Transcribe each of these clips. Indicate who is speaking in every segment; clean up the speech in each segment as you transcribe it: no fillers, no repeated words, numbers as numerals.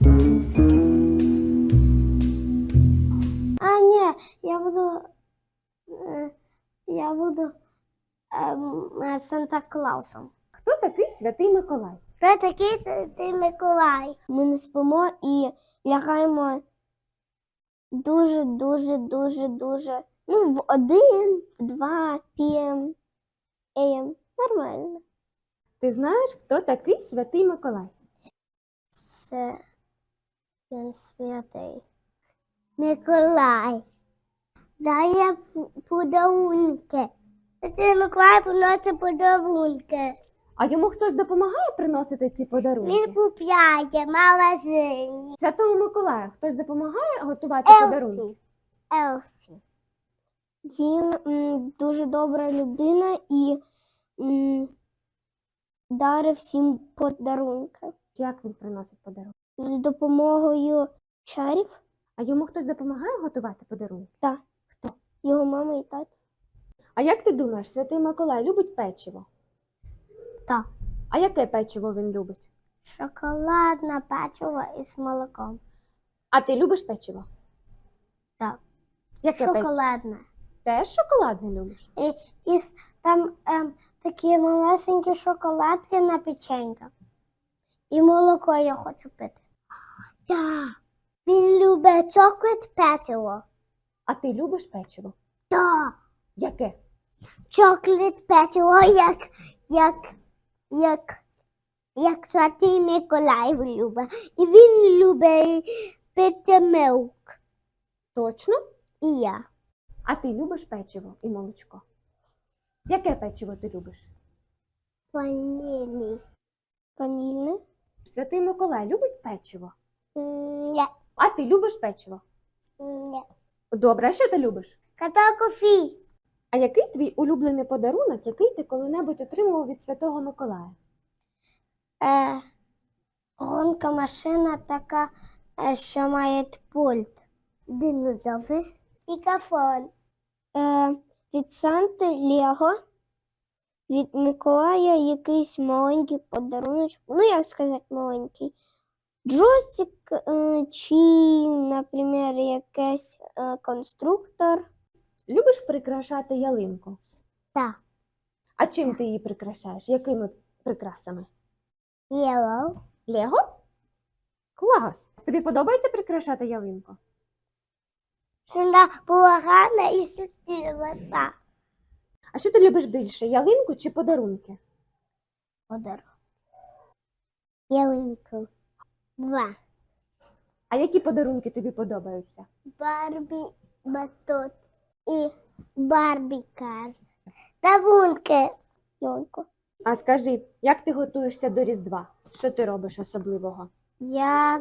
Speaker 1: А, ні, я буду Санта-Клаусом.
Speaker 2: Хто такий Святий Миколай?
Speaker 1: Хто такий Святий Миколай? Ми не спимо і лягаємо дуже, в 1, в 2 p.m. AM. Нормально.
Speaker 2: Ти знаєш, хто такий Святий Миколай?
Speaker 1: Це він святий. Миколай. Дає подарунки. Святий Миколай приносить подарунки.
Speaker 2: А йому хтось допомагає приносити ці подарунки?
Speaker 1: Він купляє в магазині.
Speaker 2: Святому Миколаю хтось допомагає готувати подарунки?
Speaker 1: Елфі. Він дуже добра людина і дарить всім подарунки.
Speaker 2: Як він приносить подарунки?
Speaker 1: З допомогою чарів.
Speaker 2: А йому хтось допомагає готувати подарунки?
Speaker 1: Так.
Speaker 2: Хто?
Speaker 1: Його мама і тато.
Speaker 2: А як ти думаєш, Святий Миколай любить печиво?
Speaker 1: Так.
Speaker 2: А яке печиво він любить?
Speaker 1: Шоколадне печиво із молоком.
Speaker 2: А ти любиш печиво?
Speaker 1: Так.
Speaker 2: Яке печиво?
Speaker 1: Шоколадне.
Speaker 2: Теж шоколадне любиш?
Speaker 1: І там такі малесенькі шоколадки на печеньках. І молоко я хочу пити. Так. Він любить чоколад печиво.
Speaker 2: А ти любиш печиво?
Speaker 1: Так.
Speaker 2: Яке?
Speaker 1: Чоколад печиво, як Святий Миколай любить. І він любить пити милк.
Speaker 2: Точно?
Speaker 1: І я.
Speaker 2: А ти любиш печиво і молочко? Яке печиво ти любиш?
Speaker 1: Ванілі. Ванільне?
Speaker 2: Святий Миколай любить печиво?
Speaker 1: Ні.
Speaker 2: А ти любиш печиво?
Speaker 1: Ні.
Speaker 2: Добре, а що ти любиш?
Speaker 1: Катакофі.
Speaker 2: А який твій улюблений подарунок, який ти коли-небудь отримував від Святого Миколая?
Speaker 1: Гонка машина така, що має пульт. Динозаври. Мікрофон. Від Санти Лего. Від Миколая якийсь маленький подарунок. Ну, як сказати, маленький. Джойстик чи, наприклад, якийсь конструктор.
Speaker 2: Любиш прикрашати ялинку?
Speaker 1: Так.
Speaker 2: А чим ти її прикрашаєш? Якими прикрасами?
Speaker 1: Yellow.
Speaker 2: Лего? Клас! Тобі подобається прикрашати ялинку?
Speaker 1: Вона була гарна і світилася.
Speaker 2: А що ти любиш більше, ялинку чи подарунки?
Speaker 1: Подарунок. Ялинку. 2.
Speaker 2: А які подарунки тобі подобаються?
Speaker 1: Барбі батут і барбікар. Давунки. Йонко.
Speaker 2: А скажи, як ти готуєшся до Різдва? Що ти робиш особливого?
Speaker 1: Я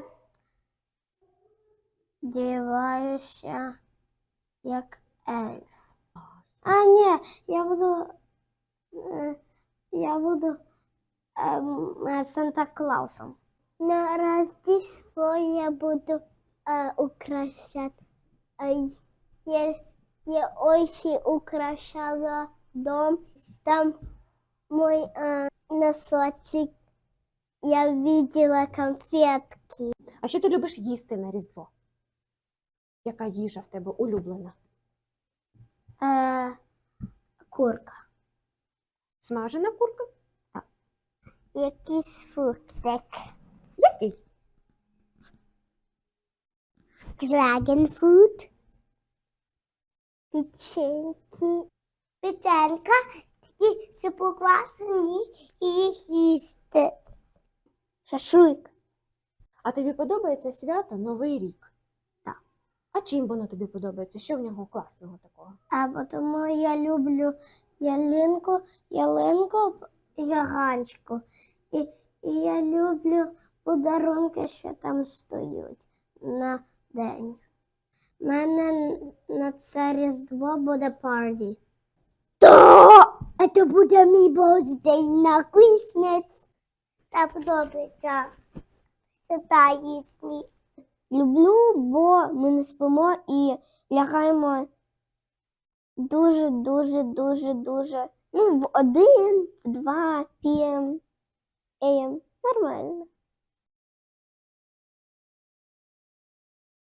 Speaker 1: діваюся як ельф. А, ні, я буду Санта-Клаусом. На Рождество я буду украшати. Я очень украшала дом. Там мой носочек. Я видела конфетки.
Speaker 2: А що ти любиш їсти на Різдво? Яка їжа в тебе улюблена?
Speaker 1: Курка.
Speaker 2: Смажена курка?
Speaker 1: Якийсь фруктик.
Speaker 2: Який?
Speaker 1: Dragon food. Печеньки. Печенька, такі супоквасені і їх їсти. Шашлик.
Speaker 2: А тобі подобається свято Новий рік?
Speaker 1: Так.
Speaker 2: А чим воно тобі подобається? Що в нього класного такого?
Speaker 1: А тому я люблю ялинку, яганчку. І я люблю подарунки, що там стоять на день. У мене на це Різдво буде парті. Це буде мій birthday на Christmas. Та подобається. Це та їсти. Люблю, бо ми не спимо і лягаємо дуже, в 1, в 2 p.m. AM. Нормально.